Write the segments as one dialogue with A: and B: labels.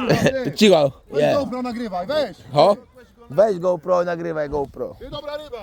A: Cicho.
B: Weź
A: Nie.
B: GoPro nagrywaj, weź!
A: Ho? Weź GoPro, nagrywaj GoPro.
B: Ty dobra ryba!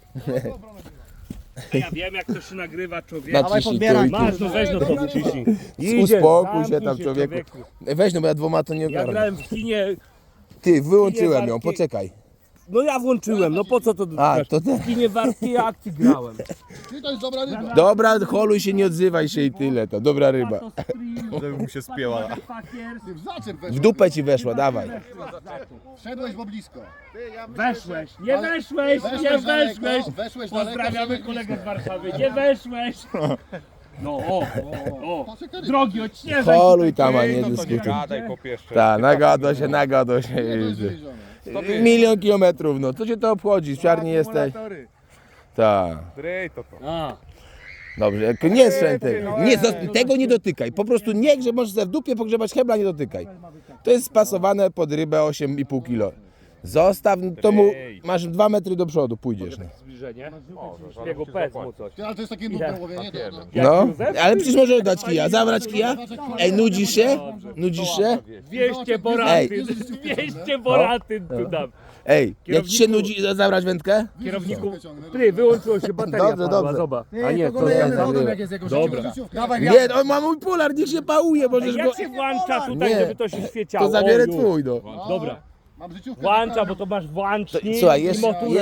C: Ja wiem jak to się nagrywa, człowiek.
A: Naciśnij tu i tu.
C: Masz, no weź no to wyciśnij.
A: Uspokój się tam, człowieku. Weź no, bo ja dwoma to nie
C: Ja
A: ogarnę.
C: grałem w kinie,
A: Ty, wyłączyłem ją,
C: warki.
A: poczekaj.
C: no ja włączyłem, no po co to
A: A,
C: dotykasz?
A: to ty.
C: W kinie warskiej akcji grałem.
B: Ty to jest dobra ryba!
A: Dobra, holuj się, nie odzywaj się i tyle, to dobra ryba.
D: Żeby mu się spięła.
B: Ty w zaczep
A: W
B: weszłeś!
A: dupę ci weszła, dawaj.
B: Wszedłeś bo blisko!
C: Weszłeś, nie weszłeś, nie
B: Weszłeś
C: weszłeś.
B: daleko, weszłeś daleko,
C: Pozdrawiamy
B: wszedłeś
C: kolegę z
B: blisko.
C: Warszawy, nie weszłeś. No o,
B: Patrzę,
C: drogi odśnieżaj.
A: Holuj tam, a nie dyskutuj.
D: Gadaj popieszcze.
A: Tak, nagadło się.
B: To jest wywiezione.
A: 1 000 000 kilometrów, no co cię to obchodzi? W czarni jesteś. Tak.
D: Drej to.
C: A,
A: Dobrze, nie strzel tego. Nie, tego nie dotykaj. Po prostu nie grzeb, możesz sobie w dupie pogrzebać hebla, nie dotykaj. To jest spasowane pod rybę 8,5 kg. Zostaw, to mu masz 2 metry do przodu, pójdziesz. No,
C: zbliżenie. Jego pec mu coś.
B: Ty, ale to jest takie nudne łowienie, to...
A: no ale przecież możesz dać kija. Zabrać kija? Ej, nudzisz się? Nudzisz się?
C: 200 boratyn, 200 boratyn tu dam.
A: Ej, jak ci się nudzi, zabrać wędkę?
C: Kierowniku, ty, wyłączyło się bateria.
A: Dobrze,
C: padła,
A: dobrze.
C: Zobacz. A nie, to Dobra.
A: Nie, on ma mój polar, niech się pałuje, możesz go...
C: Jak się włącza tutaj,
A: Nie.
C: żeby to się świeciało?
A: To zabierę
C: Oju.
A: twój, no.
C: Dobra.
B: Mam życiówkę.
C: Włącza, bo to masz włącznik
A: Słuchaj,
C: i
A: jeszcze,
C: motorem.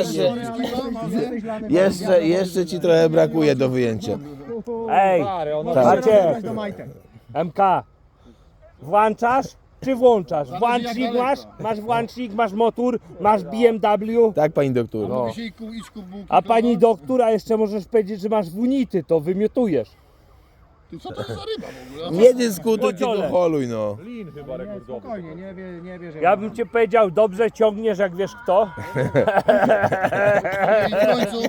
A: jeszcze ci trochę brakuje do wyjęcia.
C: Ej,
A: Tak.
C: Macie, MK, włączasz czy włączasz? Włącznik masz? Masz włącznik, masz motor, masz BMW.
A: Tak, pani doktor.
B: Mówi się idź kup bułki.
C: A pani doktora jeszcze możesz powiedzieć, że masz wunity, to wymiotujesz.
B: Ty, co to jest za ryba w ogóle?
A: Nie dyskutuj,
C: Kociole.
A: tylko holuj, no.
C: Ja bym ci powiedział, dobrze ciągniesz, jak wiesz kto.
B: I w końcu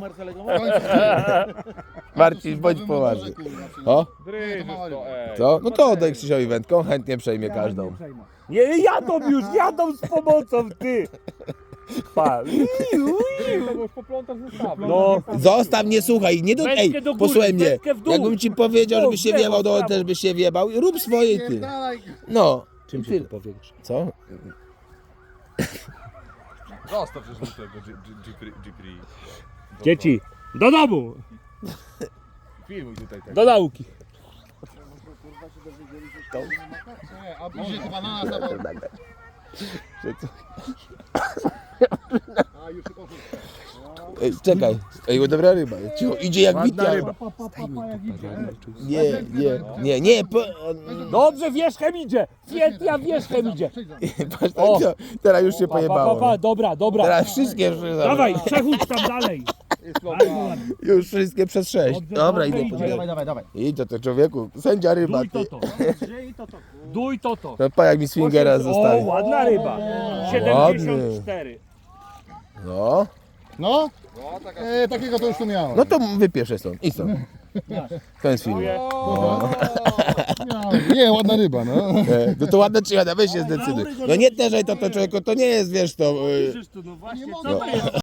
A: Marcin, bądź poważny. O,
D: Drej to, ej.
A: co? No to oddaj Krzysiowi wędką, chętnie przejmie każdą.
C: Nie, jadą z pomocą, ty. Pa.
D: To już poplątasz zestawę.
C: No,
A: Zostaw mnie, słuchaj, nie do...
C: Wędkę
A: Ej,
C: do góry,
A: posłuchaj mnie.
C: wędkę w dół.
A: Jakbym ci powiedział, żebyś się
C: W lewo,
A: wjebał,
C: w
A: to
C: prawo.
A: też byś się wjebał. Rób swoje, ty.
B: dalej.
A: No.
C: czym
A: Ty-
C: się to powiększa?
A: Co?
D: Zostaw już tego Jeepri.
C: Dzieci, do domu,
D: Filmuj tutaj tak.
C: do nauki.
B: Nie, a później chyba na nas zawał. A już tylko...
A: Ej, czekaj. Ej, dobra ryba. Cicho, idzie jak witia. Nie.
C: Dobrze, wierzchem idzie. Świetnie, wierzchem idzie.
A: Patrz, tak, co? Teraz już się pojebało.
C: Dobra.
A: Teraz wszystkie...
C: Dawaj, przechódź tam dalej.
A: Już wszystkie przez 6. Dobra, idę.
C: idzie.
A: Dawaj. Idź to człowieku. Sędzia ryba,
C: Duj
A: ty.
C: to. Duj to.
A: No pa, jak mi swingera
C: O,
A: zostawi.
C: ładna ryba. 74.
A: No.
B: No? Takiego to już tu miałem.
A: No to wypieszę stąd. Idź stąd. Koniec filmu.
B: Nie, ładna ryba, no.
A: No to ładne czy ładne, weź się zdecyduj. No nie terzaj to człowieku, to nie jest, wiesz to...
C: No właśnie, co to jest?